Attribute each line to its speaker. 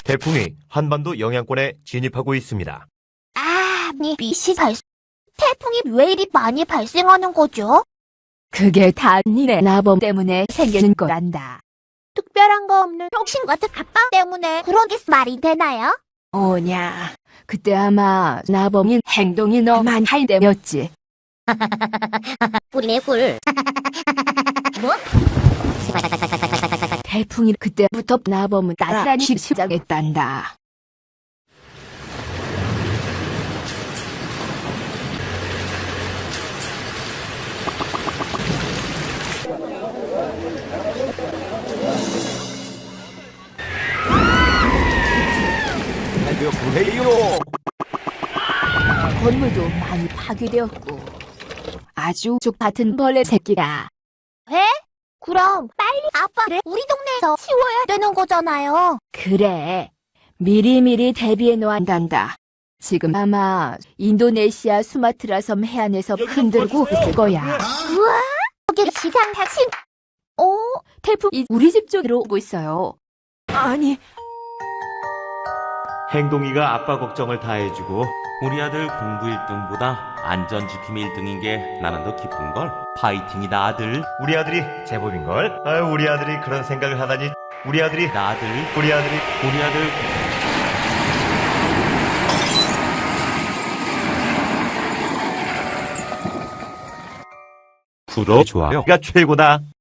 Speaker 1: 태풍이 한반도 영향권에 진입하고 있습니다.
Speaker 2: 태풍이 왜 이리 많이 발생하는 거죠?
Speaker 3: 그게 다 니네 나범 때문에 생기는 거란다.
Speaker 2: 특별한 거 없는 병신 같은 아빠 때문에 그런 게 말이 되나요?
Speaker 3: 오냐, 그때 아마 나범이 행동이 너만 할 때였지.
Speaker 2: 꿀이네 꿀. 뭐?
Speaker 3: 태풍이 그때부터 나범을 따라다니기 시작했단다. 건물도 많이 파괴되었고 아주 족같은 벌레 새끼가.
Speaker 2: 그럼 빨리 아빠를 우리 동네에서 치워야 되는 거잖아요.
Speaker 3: 그래, 미리미리 대비해 놓았단다. 지금 아마 인도네시아 수마트라 섬 해안에서 흔들고 있을 거야.
Speaker 2: 우와, 여기 시장 다친.
Speaker 3: 태풍이 우리 집 쪽으로 오고 있어요. 아니,
Speaker 1: 행동이가 아빠 걱정을 다 해주고
Speaker 4: 우리 아들 공부 1등보다 안전지킴 1등인 게 나는 더 기쁜걸. 파이팅이다 아들.
Speaker 1: 우리 아들이 제법인걸? 우리 아들이 그런 생각을 하다니. 우리 아들이
Speaker 4: 나 아들.
Speaker 1: 우리 아들이
Speaker 4: 우리 아들. 구독, 좋아요가
Speaker 1: 최고다.